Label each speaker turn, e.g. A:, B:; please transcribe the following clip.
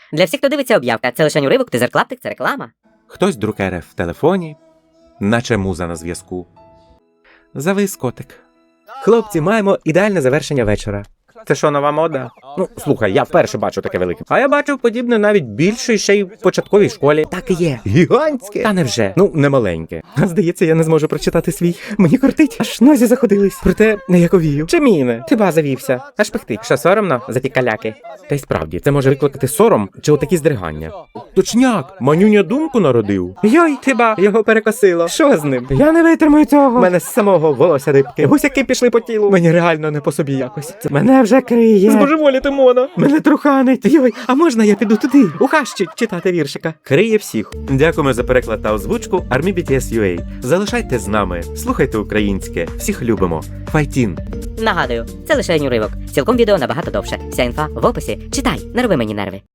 A: Для всіх, хто дивиться об'явка, це лише уривок, тизер клаптик, це реклама.
B: Хтось друкере в телефоні, наче муза на зв'язку. Завис котик. Хлопці, маємо ідеальне завершення вечора. Це що, нова мода? Ну, слухай, я вперше бачу таке велике. А я бачив подібне навіть більше ще й в початковій школі. Так і є. Гігантське. Та невже? Ну, не маленьке. А здається, я не зможу прочитати свій. Мені кортить. Аж нозі заходились. Проте не яковію. Чи міне? Хіба завівся? Аж пихти. Що соромно за ті каляки? Та й справді, це може викликати сором чи отакі здригання. Точняк, манюня думку народив. Йой, хіба його перекосило. Що з ним? Я не витримую цього. Мене з самого волосся дибки. Гусяки пішли по тілу. Мені реально не по собі якось. Мене вже криє. Збожеволіти мона. Мене труханить. Йой, а можна я піду туди? У хащі читати віршика. Криє всіх. Дякуємо за переклад та озвучку Army BTS UA. Залишайте з нами. Слухайте українське. Всіх любимо. Файтін.
A: Нагадую, це лише уривок. Цілком відео набагато довше. Вся інфа в описі. Читай, не роби мені нерви.